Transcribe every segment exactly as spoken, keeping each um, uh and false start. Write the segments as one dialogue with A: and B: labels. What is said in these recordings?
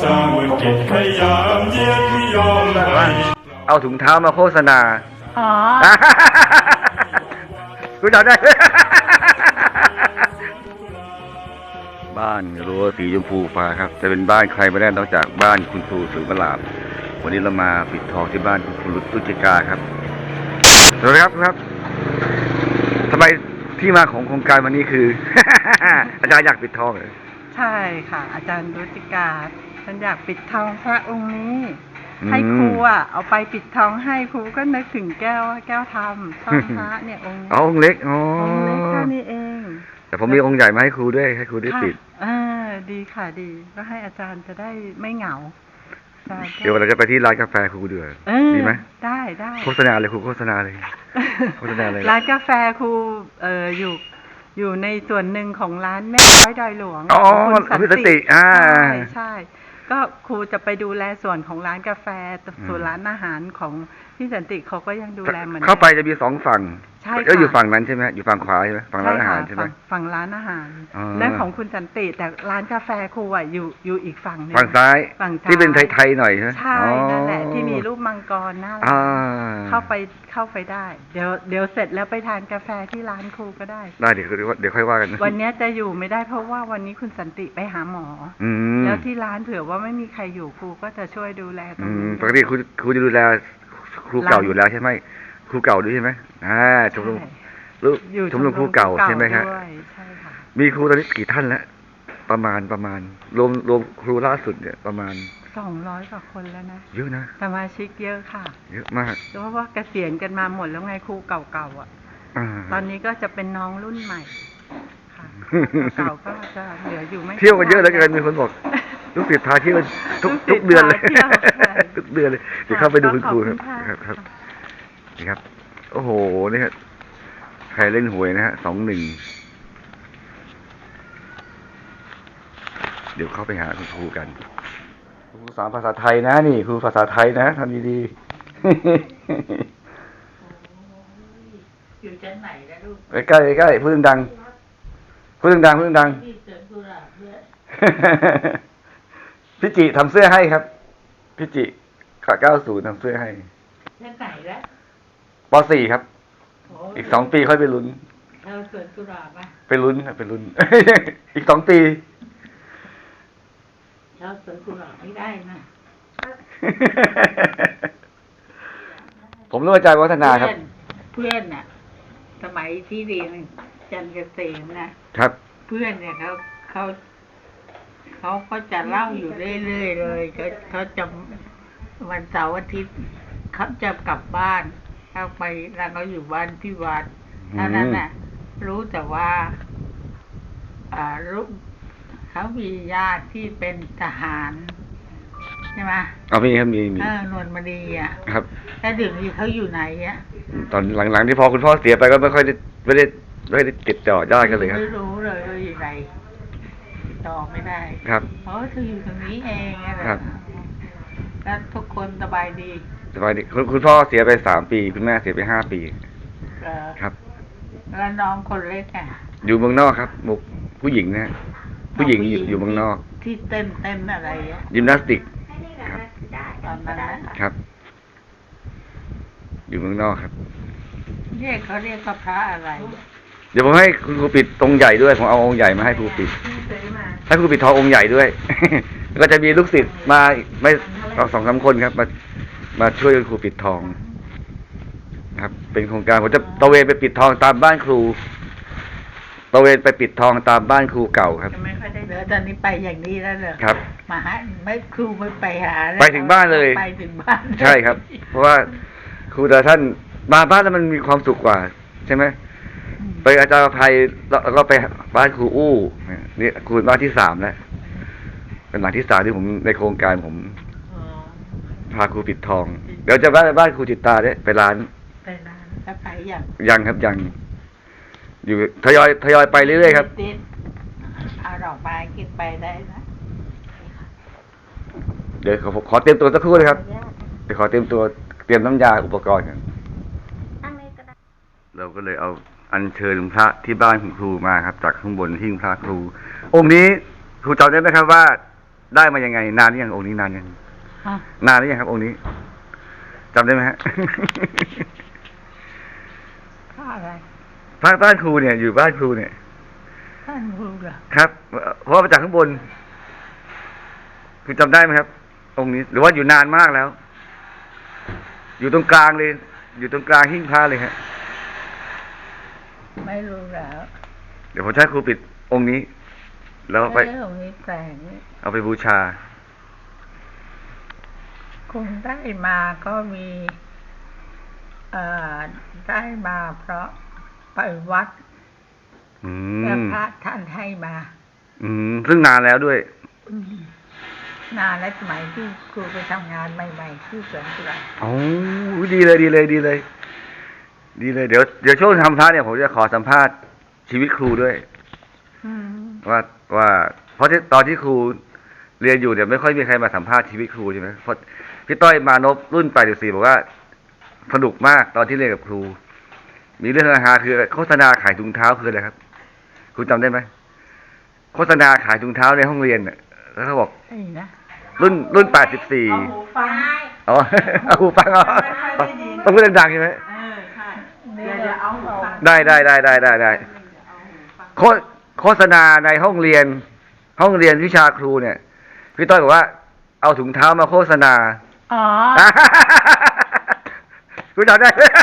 A: าเมื่อกิจพยายามเยียดไม่ยอมให้
B: เอาถุงเท้ามาโฆษณา
C: อ๋อ
B: คุณจำได้ บ้านรั้วสีชมพูฟ้าครับจะเป็นบ้านใครไม่ได้นอกจากบ้านคุณครูสุวราภวันนี้เรามาปิดทองที่บ้านคุณครูตุจิกาครับสวัสดีครับครับทำไมที่มาของโครงการวันนี้คือ อาจารย์อยากปิดทองเหรอ
C: ใช่ค่ะอาจารย์ตุจิกาฉันอยากปิดทองพระองค์นี้ให้ครูอ่ะเอาไปปิดทองให้ครูก็นึกถึงแก้วแก้วธรรมทองพระเนี่ยองค์
B: อ๋อองค์เล็กอ๋อ
C: องค์เล็กแค่นี้เอง
B: แต่ผมมีองค์ใหญ่มาให้ครูด้วยให้ครูได้ปิด
C: อ่าดีค่ะดีก็ให้อาจารย์จะได้ไม่เหงา
B: เดี๋ยวเราจะไปที่ร้านกาแฟครูเดือดดีไหม
C: ได้ได้
B: โฆษณาเลยครูโฆษณาเลยโฆษณาเลย
C: ร้านกาแฟครูเอ่ออยู่อยู่ในส่วนหนึ่งของร้านแม่ร้อยดอยหลวง
B: อ๋อคุณสันติอ่า
C: ใช่ใช่ก็ครูจะไปดูแลส่วนของร้านกาแฟส่วนร้านอาหารของพี่สันติเขาก็ยังดูแลเหมือน
B: เข้าไปจะมีสองฝั่ง
C: ใช่
B: ก็อยู่ฝั่งนั้นใช่ไหมอยู่ฝั่งขวาใช่ไหมฝั่งร้านอาหารใช่ไหม
C: ฝั่งร้านอาหารนั่นของคุณสันติแต่ร้านกาแฟครูอ่ะอยู่อยู่อีกฝั่งนึง
B: ฝั่งซ้ายที่เป็นไทยๆหน่อยใช่ไหม
C: ใช่นั่นแหละที่มีรูปมังกรน่ารักเข้าไปเข้าไปได้เดี๋ยวเดี๋ยวเสร็จแล้วไปทานกาแฟที่ร้านครูก็ได้
B: ได้เดี๋ยวเดี๋ยวค่อยว่ากัน
C: วันนี้จะอยู่ไม่ได้เพราะว่าวันนี้คุณสันติไปหาหมอแล้วที่ร้านเผื่อว่าไม่มีใครอยู่ครูก็จะช่วยดูแลตรงนี้
B: ปกติครูครูจะดูแลครูเก่าอยู่แล้วใช่ไหมครูเก่าด้วยใช่ไหมอ่าชมรมลูกชมรมครูเก่าใช่ไหมครับ
C: ใช่ค่ะ
B: มีครูตอนนี้กี่ท่านแล้วประมาณประมาณรวมรวมครูล่าสุดเนี่ยประมาณ
C: สองร้อยกว่าคนแล้วนะ
B: เยอะนะ
C: สมาชิกเยอะค่ะ
B: เยอะมาก
C: เพราะว่าเกษียณกันมาหมดแล้วไงครูเก่าๆอ่ะตอนนี้ก็จะเป็นน้องรุ่นใหม่ค่ะเก่าก็จะเหลืออยู่ไม่
B: เที่ยวกันเยอะแล้วกันมีคนบอกลูกศิษย์พาเที่ยวทุกทุกเดือนเลยทุกเดือนเลยเดี๋ยวเข้าไปดูคุณครูครับครับนี่ครับโอ้โหนี่ครับใครเล่นหวยนะฮะสองหนึ่งเดี๋ยวเข้าไปหาคุณครูกันครูสอนภาษาไทยนะนี่ครูภาษาไทยนะทำดี
C: ๆอยู่ชั้นไหนนะลูก
B: ใกล้ใกล้พูดดังพูดดังพูดดังพี่จิทำเสื้อให้ครับพี่จิขาเก้าศูนย์ทำเสื้อให้
C: ชั้นไหนแล้ว
B: ป.สี่ ครับอีกสองปีค่อยไปลุ้น
C: เราสวนกุหลาบป่ะ
B: ไปลุ้นไปลุ้นอีกสองปี
C: เราสวนกุหลาบไม่ได้นะ
B: ผมรู้อาจารย์วัฒนาครับ
C: เพื่อนน่ะสมัยที่เรียนจันทร์เกษมนะครับเพื่อนเนี่ยเขาเขาเขาก็จะเล่าอยู่เรื่อยๆเลยเขาเขาจะวันเสาร์อาทิตย์เขาจะกลับบ้านเข้าไปแล้วเขาอยู่บ้านที่วัดเท่านั้นน่ะรู้แต่ว่าอ่ารู้เขามีญาติที่เป็นทหารใช่ไหม
B: อ๋อมีครับมีมี
C: เออนวลมณีอ่ะ
B: ครับ
C: แล้วเดี๋ยวนี้เขาอยู่ไหนอ่ะ
B: ตอนหลังๆที่พอคุณพ่อเสียไปก็ไม่ค่อยได้ไม่ได้ไม่ได้ติดต่อญาติกันเลยครับ
C: ไม่รู้เลยว่าอยู่ไหนต่อไม่ได้
B: ครับ
C: เพราะเธออยู่ตรงนี้เองนะครับแล้วทุกคนสบายดี
B: สบายดีคุณคุณพ่อเสียไปสามปีคุณแม่เสียไปห้าปีครับ
C: แล้วน้องคนเล็กอ่ะ
B: อยู่เมืองนอกครับมุกผู้หญิงนะผู้หญิงอยู่อยู่เมืองนอก
C: ที่เต้นเต้นอะไรอ่ะ
B: ยิมนาสติกครับ
C: ตอนนั้น
B: ครับอยู่เมืองนอกครับ
C: เรียกเขาเรียกพระอะไร
B: เดี๋ยวผมให้คุณครูปิดองค์ใหญ่ด้วยผมเอาองค์ใหญ่มาให้ครูปิดให้ครูปิดทององค์ใหญ่ด้วยก็จะมีลูกศิษย์มาไม่สองสามคนครับมามาช่วยครูปิดทองครับเป็นโครงการผมจะตะเวนไปปิดทองตามบ้านครูตะเวนไปปิดทองตามบ้านครูเก่าครับ
C: ไม่ค่อยได้เดี๋ยวตอนนี้ไปอย่างนี้แล้วเหรอ
B: ครับ
C: มาหาไม่ครูไม่ไปหา
B: ไปถึงบ้านเลย
C: ไปถึงบ้าน
B: ใช่ครับเพราะว่าครูแต่ท่านมาบ้านแล้วมันมีความสุขกว่าใช่ไหมไปอาจารย์ภัยแล้วก็ไปบ้านครูอู้นี่ครูบ้านที่สามแล้วเป็นหลังที่สามที่ผมในโครงการผมพาครูปิดทองเดี๋ยวจะบ้านบ้านครูจิตตาเนี่ยไปร้าน
C: ไปร้านจะไปยัง
B: ยังครับยังอยู่ทยอยทยอยไปเรื่อยๆครับ
C: เอาดอกไม้กินไปได้นะ
B: เดี๋ยวขอขอเตรียมตัวสักครู่นะครับเดี๋ยวขอเตรียมตัวเตรียมน้ำยาอุปกรณ์กันเราก็เลยเอาอัญเชิญพระที่บ้านของครูมาครับจากข้างบนหิ้งพระครูองค์นี้ครูจำได้ไหมครับว่าได้มายังไง นานหรือยังองค์นี้นานยัง
C: ฮะ
B: นานหรือยังครับองค์นี้จำได้ไหมฮะ
C: ค่าอะไร
B: บ้านบ้านครูเนี่ยอยู่บ้านครูเนี่ย
C: ท่านรู้เหรอ
B: ครับ เพราะว่ามาจากข้างบน คือจำได้ไหมครับ องค์นี้ หรือว่าอยู่นานมากแล้ว อยู่ตรงกลางเลย อยู่ตรงกลางหิ้งพระเลยฮะ
C: ไม่รู้แล้ว
B: เดี๋ยวผมจะให้ครูปิดองค์นี้ แล้วไป
C: เรื่องนี้แต่ง
B: เอาไปบูชา
C: คุณได้มาก็มีเอ่อได้มาเพราะไปวัด
B: อื
C: แล้ว
B: ม
C: พระท่านให้มา
B: อืมซึ่งนานแล้วด้วย
C: อืมนานและสมัยที่ครูไปทำงานใหม่ๆที่สวนกุหลาบ
B: โอ้ดีเลยดีเลยดีเลย ดีเลย เดี๋ยวเดี๋ยวช่วงทำพระเนี่ยผมจะขอสัมภาษณ์ชีวิตครูด้วย
C: อืม
B: ว่าว่า เพราะที่ตอนที่ครูเรียนอยู่เนี่ยไม่ค่อยมีใครมาสัมภาษณ์ชีวิตครูใช่ไหมเพราะพี่ต้อยมานพรุ่นแปดสิบสี่บอกว่าสนุกมากตอนที่เรียนกับครู มีเรื่องฮาๆคือโฆษณาขายถุงเท้าคืออะไรครับครูจำได้ไหมโฆษณาขายถุงเท้าในห้องเรียนน่ะแล้วเขาบอก
C: ไอ้นะ
B: รุ่นรุ่นแปดสิบสี่
D: เอาหูฟัง
B: อ๋อ เอาหูฟังอ๋อ
D: ไม่ค่อยได้ยิน
B: ต้องพูดดังๆใช่ไหม
D: เออใช่เดี๋ยวจะเอาหูฟัง
B: ได้ได้ได้ได้ได้ได้โฆโฆษณาในห้องเรียน ห้องเรียนวิชาครูเนี่ยพี่ต้อยบอกว่าเอาถุงเท้ามาโฆษณา
C: อ๋อ
B: คุณจำได้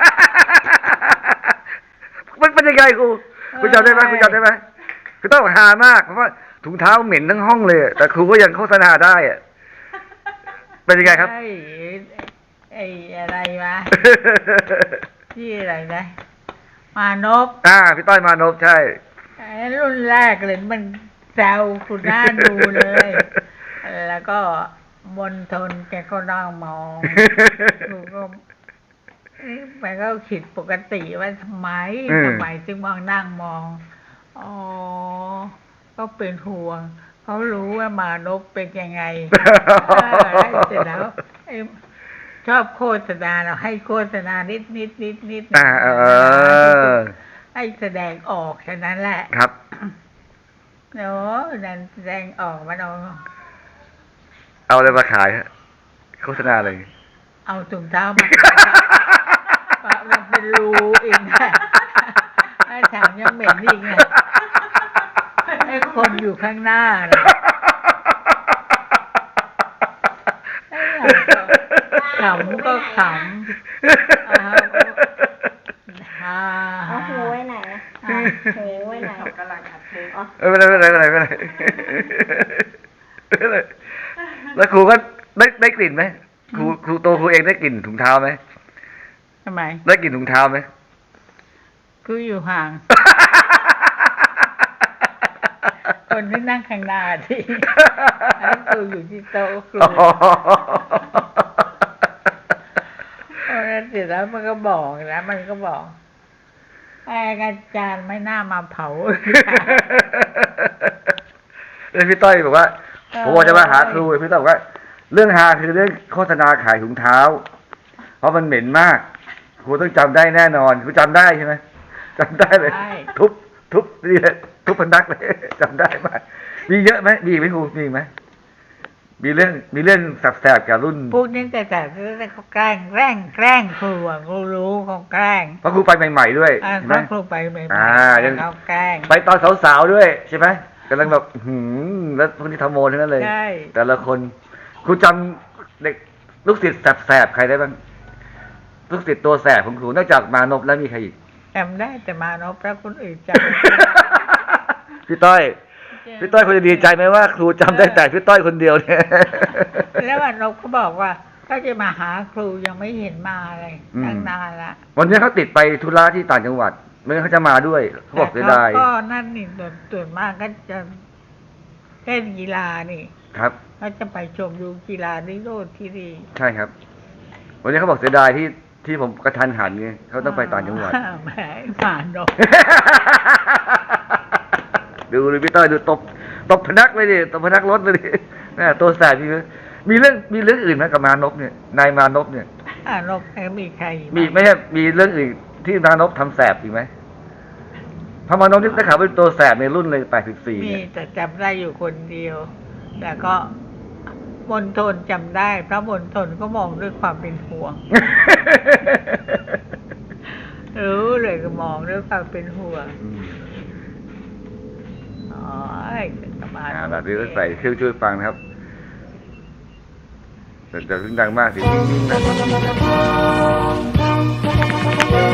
B: มันเป็นยังไงครูคุณจำได้ไหมคุณจำได้ไหมคือต้องหามากเพราะว่าถุงเท้าเหม็นทั้งห้องเลย แต่ครูก็ยังโฆษณาได้อะเป็นยังไงครับ
C: ไอ้ไอ้อะไรวะ ที่อะไรนะ มานพ
B: อ่าพี่ต้อยมานพใช่
C: ไอ้รุ่นแรกเลยมันแซวคุณน่าดูเลย แล้วก็มนทนแกก็นั่งมองดูก็เอ๊ะมันก็ผิดปกติว่าทำไม
B: อืม
C: ทำไมจึงมองนั่งมอง อ๋อ ก็เป็นห่วง เขารู้ว่ามานพเป็นยังไง เออแล้วเสร็จแล้วไอ้ชอบโฆษณาเราให้โฆษณานิดนิดนิดนิด
B: อ่าเออ
C: ให้แสดงออกแค่นั้นแหละ
B: ครับ
C: เนาะนั่นแสดงออกมาเอา
B: เอาอะไรมาขายฮะโฆษณาอะไร
C: เอาถุงเท้ามาปะมันเป็นรูอีกนะไอ้ถามยังเหม็นอีกไงไอ้คนอยู่ข้างหน้าน่ะไอ้เราก็ขำก็ขำอ่าฮ่า
D: เอาหูไว้ไหนอะหูไว้ไหนกำลังอัดเพลงอ๋อ
B: เออไม่เป็นไรไม่เป็นไรไม่เป็นไรไม่เป็นไรแล้วครูก็ได้ได้กลิ่นไหมครูครูโตครูเองได้กลิ่นถุงเท้าไหม
C: ทำไม
B: ได้กลิ่นถุงเท้าไหม
C: คืออยู่ห่าง คนที่นั่งข้างหน้าที่ไอ้ครูอยู่ที่โต๊ะครู
B: อ๋อ
C: เพราะฉะนั้นเสร็จแล้วมันก็บอกนะมันก็บอกไอ้อาจารย์ไม่น่ามาเผา
B: แล้วพี่ต้อยบอกว่าผมบอกจะมาหาครูพี่ต้อยบอกว่า เรื่องฮาคือเรื่องโฆษณาขายถุงเท้า เพราะมันเหม็นมากครูต้องจำได้แน่นอนครูจำได้ใช่ไหมจำได้เลย
C: ใช่
B: ทุบทุบนี่เลยทุบพนักเลย จำได้ไหมมีเยอะไหมมีไหมครูมีไหมมีเรื่องมีเรื่องแสบๆกับรุ่น
C: พวกนี้แต่แต่เขาแกล้งแกล้งแกล้งครูอ่ะครูรู้เขาแกล้ง
B: เพราะครูไปใหม่ๆด้วย
C: อ่า
B: ใช่ไหม
C: เขาครูไปใหม่
B: อ่ายัง
C: เขาแกล้ง
B: ไปตอนสาวๆด้วยใช่ไหมกำลังแบบหืมแล้วพวกนี้ทำโมทั้งนั้นเลย
C: ใช่
B: แต่ละคนครูจำเด็กลูกศิษย์แสบๆใครได้บ้างลูกศิษย์ตัวแสบของครูนอกจากมานพแล้วมีใครอีก
C: จำได้แต่มานพแล้วคนอื่นจ
B: พี่ต้อย
C: ำ
B: พี่ต้อยคนจะดีใจไหมว่า ครูจำได้แต่พี่ต้อยคนเดียวเนี่ย
C: แล้ววันนพเขาบอกว่าก็จะมาหาครูยังไม่เห็นมาเลย
B: อืม
C: ตั้งนานละ
B: วันนี้เขาติดไปธุระที่ต่างจังหวัดไม่งั้นเขาจะมาด้วยเขาบอกเสียดาย
C: แต่เขาก็นั่นนี่ส่วนส่วนมากก็จะเล่นกีฬานี่
B: ครับ
C: เขาจะไปชมดูกีฬาที่โน่นที่นี่
B: ใช่ครับ วันนี้เขาบอกเสียดายที่ที่ผมกระทันหันไงเขาต้องไปต่างจังหวัด
C: แหมมานพ
B: ดูเลยพี่ต้อยดูตบตบพนักเลยดิตบพนักรถเลยดิแม่ตัวแสบจริงเลยมีเรื่องมีเรื่องอื่นไหมกับมานพเนี่ยนายมานพเนี่ย
C: อ่านพแล้วมีใครอีกไห
B: มีไม่ใช่มีเรื่องอื่นที่มานพทำแสบอีกไหมเพราะมานพนี่ได้ข่าวเป็นตัวแสบในรุ่นเลยแปดสิบสี่
C: มี
B: เนี่ย
C: แต่จำได้อยู่คนเดียว แต่ก็มณฑลจำได้พระมณฑลก็มองด้วยความเป็นห่วง รู้เลยก็มองด้วยความเป็นห่วงอ๋อสบาย
B: อ่าแบบนี้ก็ใส่เครื่องช่วยฟังนะครับแต่แต่เสียงดังมากสิ